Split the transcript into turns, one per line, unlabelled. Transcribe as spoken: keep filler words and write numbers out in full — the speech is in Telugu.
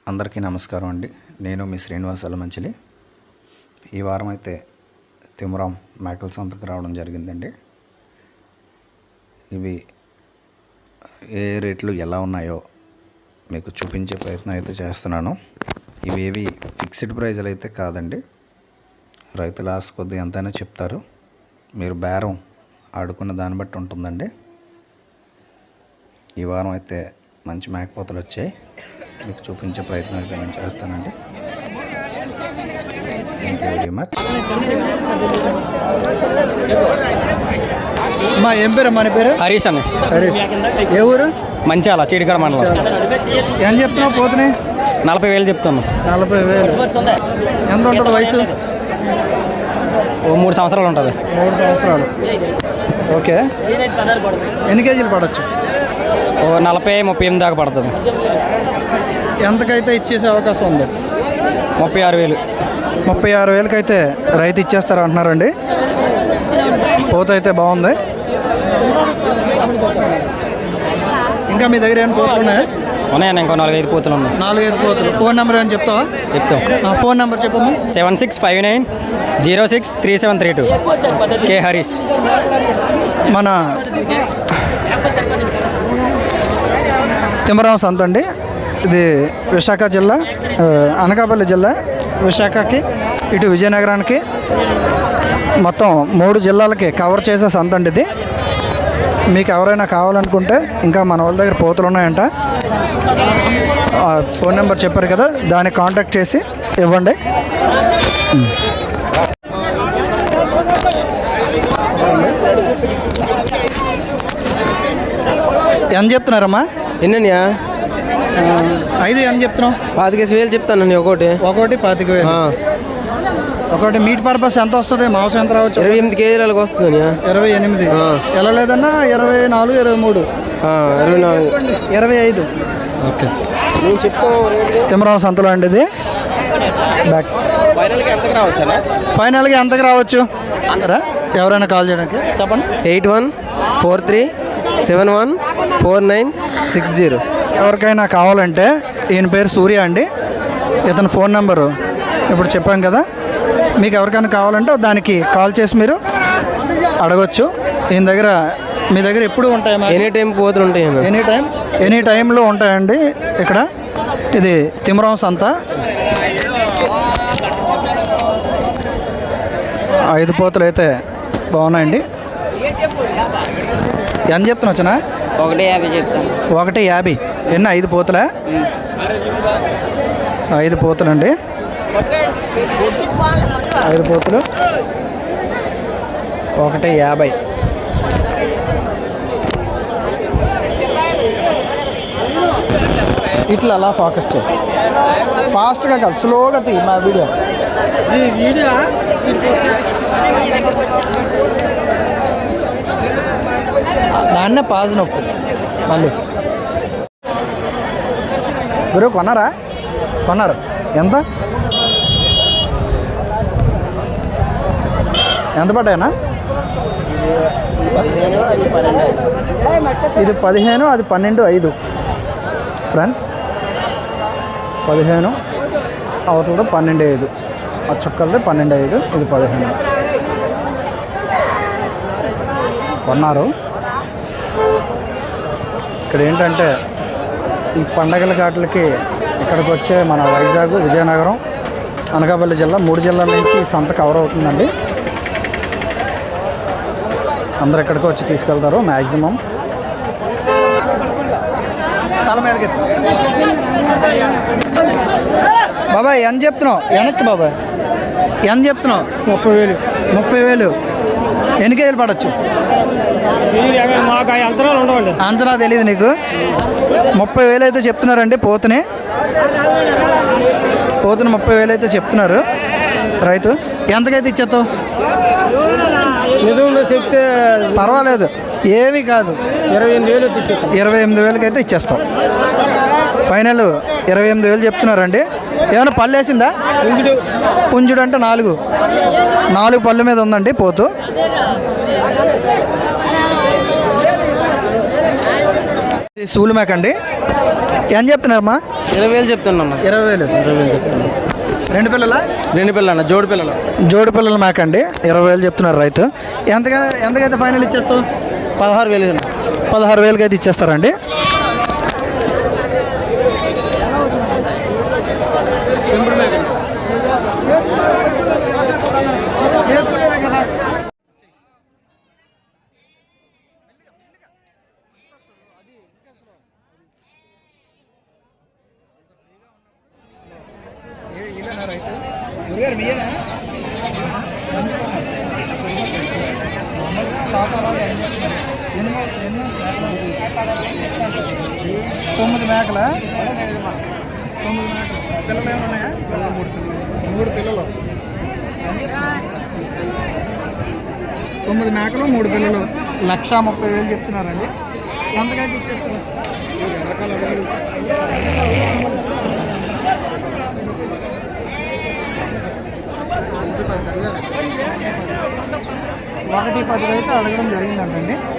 అందరికీ నమస్కారం అండి. నేను మీ శ్రీనివాస్ అలమంచిలి. ఈ వారం అయితే తిమరాం మేకల సంతకు రావడం జరిగిందండి. ఇవి ఏ రేట్లు ఎలా ఉన్నాయో మీకు చూపించే ప్రయత్నం అయితే చేస్తున్నాను. ఇవేవి ఫిక్స్డ్ ప్రైజ్లు అయితే కాదండి. రైతుల ఆశ కొద్దిగా ఎంతైనా చెప్తారు. మీరు బేరం ఆడుకున్న దాన్ని బట్టి ఉంటుందండి. ఈ వారం అయితే మంచి మేకపోతలు వచ్చాయి. మీకు చూపించే ప్రయత్నం అయితే నేను చేస్తానండి. Thank you very much.
మా ఏం పేరు? మన పేరు
హరీష్ అన్న.
హరీష్. ఏ ఊరు?
మంచాల చీడికాడ మండలం.
ఏం చెప్తున్నావు పోతుని?
నలభై వేలు చెప్తాను.
నలభై వేలు ఎంత ఉంటుంది వయసు?
ఓ మూడు సంవత్సరాలు ఉంటుంది.
మూడు సంవత్సరాలు ఓకే. ఎన్ని కేజీలు పడవచ్చు?
ఓ నలభై ముప్పై ఎనిమిది దాకా పడుతుంది.
ఎంతకైతే ఇచ్చేసే అవకాశం ఉంది?
ముప్పై ఆరు వేలు
ముప్పై ఆరు వేలకి అయితే రైతు ఇచ్చేస్తారు అంటున్నారండి. పోత అయితే బాగుంది. ఇంకా మీ దగ్గర ఏమైనా పోతులు ఉన్నాయా?
ఉన్నాయన్న, ఇంకో నాలుగైదు పోతులు ఉన్నాయి.
నాలుగైదు పోతులు. ఫోన్ నెంబర్ ఏమైనా చెప్తావా?
చెప్తాం.
ఫోన్ నెంబర్ చెప్పమ్మా.
Seven six five nine zero six three seven three two. K Harish.
మన తిమరాం సంత అండి. ఇది విశాఖ జిల్లా, అనకాపల్లి జిల్లా, విశాఖకి ఇటు విజయనగరానికి మొత్తం మూడు జిల్లాలకి కవర్ చేసే సంత అండి ఇది. మీకు ఎవరైనా కావాలనుకుంటే ఇంకా మన వాళ్ళ దగ్గర పోతులు ఉన్నాయంట. ఫోన్ నెంబర్ చెప్పారు కదా, దాన్ని కాంటాక్ట్ చేసి ఇవ్వండి. ఎంత చెప్తున్నారమ్మా?
ఎన్నయ్యా?
ఐదు ఎంత చెప్తున్నావు?
పాతికేసి వేలు చెప్తాను. ఒకటి
ఒకటి పాతిక వేలు. ఒకటి మీట్ పర్పస్ ఎంత వస్తుంది? మాంసం ఎంత రావచ్చు?
ఇరవై ఎనిమిది కేజీలకు వస్తుంది.
ఇరవై ఎనిమిది ఎలా లేదన్నా? ఇరవై నాలుగు, ఇరవై మూడు,
ఇరవై నాలుగు,
ఇరవై ఐదు.
ఓకే, నేను చెప్తాను.
తిమరాం సంతలో అండి ఇది. బ్యాక్
ఫైనల్గా ఎంతకు రావచ్చు?
ఫైనల్గా ఎంతకు రావచ్చు అంటారా? ఎవరైనా కాల్ చేయడానికి చెప్పండి.
Eight one four three seven one four nine six zero.
ఎవరికైనా కావాలంటే ఈయన పేరు సూర్య అండి. ఇతని ఫోన్ నెంబరు ఇప్పుడు చెప్పాం కదా. మీకు ఎవరికైనా కావాలంటే దానికి కాల్ చేసి మీరు అడగచ్చు. ఈయన దగ్గర మీ దగ్గర ఎప్పుడు ఉంటాయమ్మా?
ఎనీ టైం పోతులు ఉంటాయి.
ఎనీ టైం ఎనీ టైంలో ఉంటాయండి ఇక్కడ. ఇది తిమరాం సంత. ఐదు పోతులు అయితే బాగున్నాయండి. ఎంత చెప్తున్నా వచ్చినా?
ఒకటి యాభై చెప్తాను.
ఒకటి యాభై. ఎన్ని? ఐదు పోతులా? ఐదు పోతులు అండి. ఐదు పోతులు ఒకటి యాభై. ఇట్లా అలా ఫోకస్ చేయి. ఫాస్ట్గా కాదు, స్లోగా తీ మా వీడియో. దాన్నే పాజ్ నొక్కు మళ్ళీ. గురు కొన్నారా? కొన్నారు. ఎంత ఎంత పడ్డాయనా? ఇది పదిహేను, అది పన్నెండు, ఐదు. ఫ్రెండ్స్, పదిహేను అవతలతో పన్నెండు ఐదు. ఆ చుక్కలతో పన్నెండు ఐదు, ఇది పదిహేను. కొన్నారు. ఇక్కడ ఏంటంటే ఈ పండగల ఘాట్లకి ఇక్కడికి వచ్చే మన వైజాగ్, విజయనగరం, అనకాపల్లి జిల్లా, మూడు జిల్లాల నుంచి ఈ సంత కవర్ అవుతుందండి. అందరు ఇక్కడికి వచ్చి తీసుకెళ్తారు మ్యాక్సిమం. తల మీదకి బాబాయ్ ఎంత చెప్తున్నావు? వెనక్కి బాబాయ్ ఎంత చెప్తున్నావు? ముప్పై వేలు. ముప్పై వేలు. ఎన్ని కేజీలు పడవచ్చు? అంచనా తెలియదు నీకు? ముప్పై వేలు అయితే చెప్తున్నారండి పోతుని. పోతుని ముప్పై వేలు అయితే చెప్తున్నారు రైతు. ఎంతకైతే ఇచ్చేస్తావు?
చెప్తే
పర్వాలేదు, ఏమీ కాదు.
ఇరవై ఎనిమిది వేలు
ఇరవై ఎనిమిది వేలకి అయితే ఇచ్చేస్తాం. ఫైనల్ ఇరవై ఎనిమిది వేలు చెప్తున్నారండి. ఏమైనా పళ్ళు వేసిందా? పుంజుడు. పుంజుడు అంటే నాలుగు నాలుగు పళ్ళ మీద ఉందండి పోతు. సూలు మేక అండి. ఏం చెప్తున్నారమ్మా?
ఇరవై వేలు చెప్తున్నాను.
ఇరవై వేలు
ఇరవై వేలు చెప్తున్నాను.
రెండు పిల్లల
రెండు పిల్లలు జోడి పిల్లలు.
జోడి పిల్లల మేక అండి, ఇరవై వేలు చెప్తున్నారు రైతు. ఎంతగా ఎంతకైతే ఫైనల్ ఇచ్చేస్తావు?
పదహారు వేలు.
పదహారు వేలకి అయితే ఇచ్చేస్తారండి. తొమ్మిది మేకల తొమ్మిది మేకలు పిల్లలు ఏమన్నాయా? మూడు పిల్లలు తొమ్మిది మేకలు మూడు పిల్లలు లక్ష ముప్పై వేలు చెప్తున్నారండి. ఎంతకైతే ఇచ్చేస్తారు? ఒకటి పది అయితే అడగడం జరిగిందంటండి.